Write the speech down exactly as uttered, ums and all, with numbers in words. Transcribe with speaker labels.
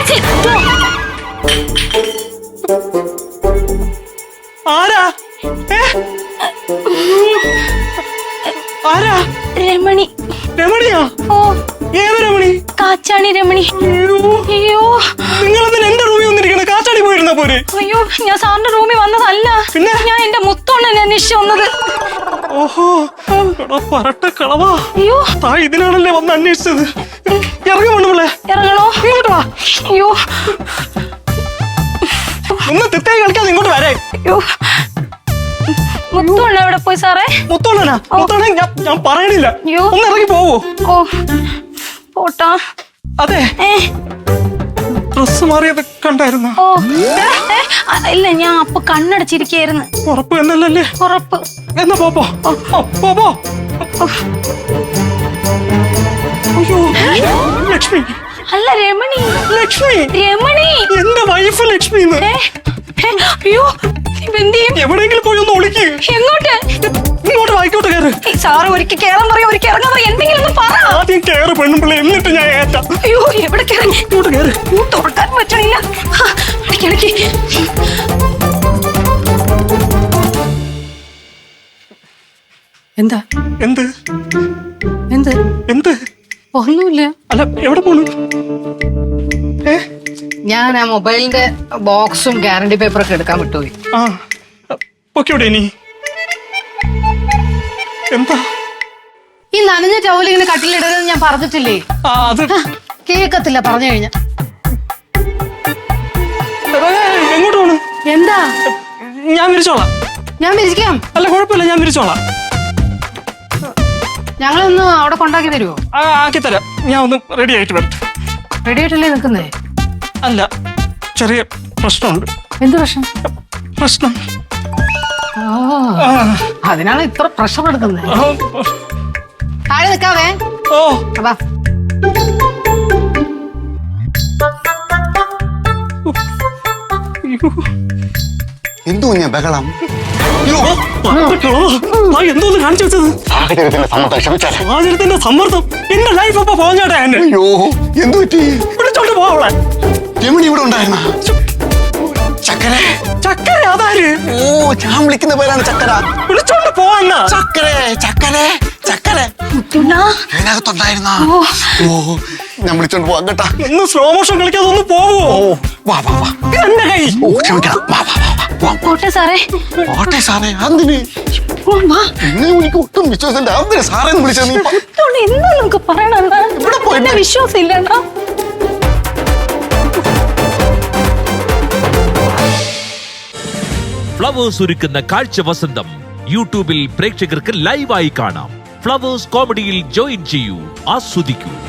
Speaker 1: ആരാ ആരാ?
Speaker 2: രമണി.
Speaker 1: രമണിയാ?
Speaker 2: ഓ,
Speaker 1: ഏത് രമണി?
Speaker 2: കാച്ചാണി രമണി. അയ്യോ,
Speaker 1: നിങ്ങൾ എന്തിനാ എന്റെ റൂമിൽ വന്നിരിക്കണ? കാച്ചാണി പോയിരുന്ന പോരെ?
Speaker 2: അയ്യോ, ഞാൻ സാറിന്റെ റൂമിൽ വന്നതല്ല. പിന്നെ ഞാൻ എന്റെ മുത്തോണ്ണനെ അന്വേഷിച്ചു വന്നത്.
Speaker 1: ഓഹോ, പറട്ട കളവാ.
Speaker 2: അയ്യോ,
Speaker 1: താ ഇതിനാണല്ലേ വന്ന് അന്വേഷിച്ചത്. ഇറങ്ങി വേണമല്ലേ?
Speaker 2: ഇറങ്ങണോ?
Speaker 1: ഇങ്ങോട്ട് വാ.
Speaker 2: അയ്യോ,
Speaker 1: ഒന്ന് തെറ്റായി കളിക്കാതെ ഇങ്ങോട്ട് വരേ.
Speaker 2: അയ്യോ, മുത്തോണ്ണ എവിടെ പോയി സാറേ?
Speaker 1: മുത്തോണ്ണനാ? മുത്തോണ്ണ ഞാൻ ഞാൻ പറയണില്ല. ഒന്ന് ഇറങ്ങി പോവോ?
Speaker 2: ഓ, പോട്ടാ.
Speaker 1: അതെ, ഡ്രസ് മാറിയത് കണ്ടായിരുന്നോ?
Speaker 2: ഓ, ഇല്ല, ഞാൻ അപ്പൊ കണ്ണടച്ചിരിക്കായിരുന്നു.
Speaker 1: ഉറപ്പ് എന്നല്ലേ?
Speaker 2: ഉറപ്പ്.
Speaker 1: എന്നാ പോ പോ പോ പോ. അയ്യോ, ലക്ഷ്മി.
Speaker 2: അല്ല, രമണി.
Speaker 1: ലക്ഷ്മി.
Speaker 2: രമണി,
Speaker 1: എന്റെ വൈഫ് ലക്ഷ്മി.
Speaker 2: അയ്യോ,
Speaker 1: എവിടെയെങ്കിലും പോയി ഒന്ന് ഒളിക്ക്.
Speaker 2: എങ്ങോട്ട്?
Speaker 1: ഇങ്ങോട്ട് വായിക്കോട്ട് കയറ്.
Speaker 2: സാറ് ഒരിക്കൽ കേറാൻ പറയാ, ഒരിക്കൽ ഇറങ്ങാൻ പറയാ, എന്തെങ്കിലും ഒന്ന് പറ.
Speaker 1: ആദ്യം കേറ് പെണ്ണുമ്പിള്ള, എന്നിട്ട് ഞാൻ ഏറ്റാ.
Speaker 2: അയ്യോ, എവിടെ കയറി?
Speaker 1: ഇങ്ങോട്ട് കയറ്.
Speaker 2: തുറക്കാൻ പറ്റണില്ല. ഇടയ്ക്കിടയ്ക്ക്
Speaker 3: എന്താ?
Speaker 1: എന്ത്
Speaker 3: എന്ത്
Speaker 1: എന്ത്?
Speaker 3: ഒന്നുമില്ല.
Speaker 1: അല്ല, എവിടെ പോണു? ഏ,
Speaker 3: ഞാൻ ആ മൊബൈലിന്റെ ബോക്സും ഗ്യാരണ്ടി പേപ്പറൊക്കെ എടുക്കാൻ വിട്ടുപോയി.
Speaker 1: ആ, പൊക്കോടെ ഇനി. എന്താ
Speaker 3: ഈ നനഞ്ഞ ടവൽ ഇങ്ങനെ കട്ടിലിടരുതെന്ന് ഞാൻ പറഞ്ഞിട്ടില്ലേ?
Speaker 1: ആ, അത്
Speaker 3: കേക്കത്തില്ല പറഞ്ഞു കഴിഞ്ഞ.
Speaker 1: എങ്ങോട്ട് പോണു?
Speaker 3: എന്താ?
Speaker 1: ഞാൻ വിരിച്ചോളാം.
Speaker 3: ഞാൻ വിരിക്കാം.
Speaker 1: അല്ല, കുഴപ്പമില്ല, ഞാൻ വിരിച്ചോളാം.
Speaker 3: ഞങ്ങളൊന്ന് അവിടെ കൊണ്ടാക്കി തരുമോ?
Speaker 1: ആ, ആക്കി തരാം. ഞാൻ ഒന്ന് റെഡി ആയിട്ട് വരട്ടെ.
Speaker 3: റെഡി ആയിട്ടല്ലേ നിൽക്കുന്നേ?
Speaker 1: അല്ല, ചെറിയ പ്രശ്നമുണ്ട്.
Speaker 3: എന്ത് പ്രശ്നം?
Speaker 1: പ്രശ്നം
Speaker 3: അതിനാണ് ഇത്ര പ്രഷർ എടുക്കുന്നത്. താഴെ നിൽക്കാവേ.
Speaker 1: ഓ,
Speaker 3: അതാ
Speaker 4: എന്തോ ഞാൻ ബഹളം.
Speaker 1: എന്തോന്ന് കാണിച്ചു വെച്ചത്?
Speaker 4: സാഹചര്യത്തിന്റെ സമ്മർദ്ദം ക്ഷമിച്ചാൽ.
Speaker 1: സാഹചര്യത്തിന്റെ സമ്മർദ്ദം. എന്റെ ലൈഫ് അപ്പൊ പോഞ്ഞാട്ടെ.
Speaker 4: അയ്യോ, എന്തു പറ്റി?
Speaker 1: വിളിച്ചോണ്ട് പോവളെ.
Speaker 4: രമണി ഇവിടെ ഉണ്ടായിരുന്ന? ചക്കര.
Speaker 1: ചക്കര? അതാര്?
Speaker 4: ഓ, ഞാൻ വിളിക്കുന്ന പേരാണ് ചക്കര.
Speaker 1: വിളിച്ചോണ്ട് പോവാന്ന.
Speaker 4: ചക്കര ചക്കര ചക്കര ഇതിനകത്തുണ്ടായിരുന്ന? ഓ, ഞാൻ വിളിച്ചോണ്ട് പോവാം കേട്ടാ.
Speaker 1: ഒന്ന് സ്ലോ മോഷൻ കളിക്കാതെ ഒന്ന് പോവോ?
Speaker 4: ഓ, വാ വാ വാ.
Speaker 1: എന്റെ കൈ.
Speaker 4: ഓ, ക്ഷമിക്കണം. വാ വാ വാ.
Speaker 2: പോട്ടെ സാറേ.
Speaker 4: പോട്ടെ സാറേ. എന്തിന്? എന്നെ എനിക്ക് ഒട്ടും വിശ്വാസമില്ല. എന്തിനാ സാറേ വിളിച്ചത്? നീ
Speaker 2: എന്താ നമുക്ക് പറയണ?
Speaker 4: ഇവിടെ പോയി
Speaker 2: വിശ്വാസം ഇല്ലണ്ടാ.
Speaker 5: ഫ്ലവേഴ്സ് ഒരുക്കുന്ന കാഴ്ച വസന്തം യൂട്യൂബിൽ പ്രേക്ഷകർക്ക് ലൈവായി കാണാം. ഫ്ലവേഴ്സ് കോമഡിയിൽ ജോയിൻ ചെയ്യൂ, ആസ്വദിക്കൂ.